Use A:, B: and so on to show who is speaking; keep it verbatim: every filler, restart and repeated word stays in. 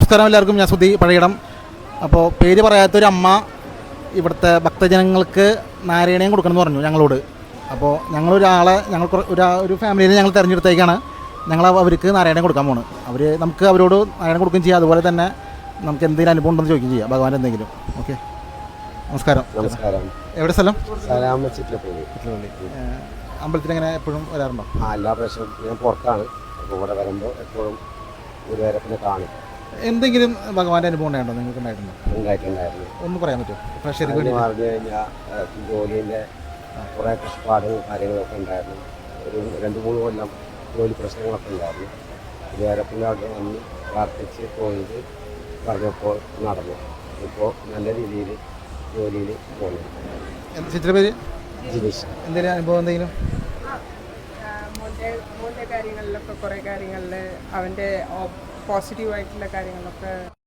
A: നമസ്കാരം എല്ലാവർക്കും. ഞാൻ സുധി പഴയിടം. അപ്പോൾ പേര് പറയാത്തൊരു അമ്മ ഇവിടുത്തെ ഭക്തജനങ്ങൾക്ക് നാരായണീയം കൊടുക്കണമെന്ന് പറഞ്ഞു ഞങ്ങളോട്. അപ്പോൾ ഞങ്ങളൊരാളെ ഞങ്ങൾ ഒരു ഒരു ഫാമിലിയിൽ ഞങ്ങൾ തിരഞ്ഞെടുത്തേക്കാണ് ഞങ്ങൾ അവർക്ക് നാരായണീയം കൊടുക്കാൻ പോകുന്നത്. അവർ നമുക്ക് അവരോട് നാരായണം കൊടുക്കുകയും ചെയ്യാം, അതുപോലെ തന്നെ നമുക്ക് എന്തെങ്കിലും അനുഭവം ഉണ്ടെന്ന് ചോദിക്കുകയും ചെയ്യാം, ഭഗവാൻ എന്തെങ്കിലും. ഓക്കെ, നമസ്കാരം.
B: നമസ്കാരം.
A: എവിടെ സ്ഥലം? അമ്പലത്തിൽ എങ്ങനെ എപ്പോഴും വരാറുണ്ടോ?
B: ആ, എല്ലാ പ്രാവശ്യവും ഞാൻ പുറത്താണ്. അപ്പോൾ ഇവിടെ വരുമ്പോൾ എപ്പോഴും ഗുരുവായൂരപ്പനെ കാണും.
A: എന്തെങ്കിലും ഭഗവാന്റെ അനുഭവം ഉണ്ടായിട്ടുണ്ടോ നിങ്ങൾക്ക്? ഉണ്ടായിട്ടുണ്ടോ?
B: ഉണ്ടായിട്ടുണ്ടായിരുന്നു.
A: ഒന്ന് പറയാൻ പറ്റുമോ? പ്രഷർക്ക്
B: പറഞ്ഞു കഴിഞ്ഞാൽ ജോലിൻ്റെ കുറേ കഷ്ടപ്പാടും കാര്യങ്ങളൊക്കെ ഉണ്ടായിരുന്നു. ഒരു രണ്ട് മൂന്ന് കൊല്ലം ജോലി പ്രശ്നങ്ങളൊക്കെ ഉണ്ടായിരുന്നു. ഗുരുവായൂരപ്പൻ്റെ അവിടെ വന്ന് പ്രാർത്ഥിച്ച് പോയത് പറഞ്ഞപ്പോൾ നടന്നു. ഇപ്പോൾ നല്ല രീതിയിൽ ജോലിയിൽ പോകുന്നു.
A: ചിത്ര പേര്
B: ജിനീഷ്.
A: എന്തെങ്കിലും അനുഭവം എന്തെങ്കിലും?
C: മോൻ്റെ മോൻ്റെ കാര്യങ്ങളിലൊക്കെ കുറേ കാര്യങ്ങളിൽ അവൻ്റെ പോസിറ്റീവായിട്ടുള്ള കാര്യങ്ങളൊക്കെ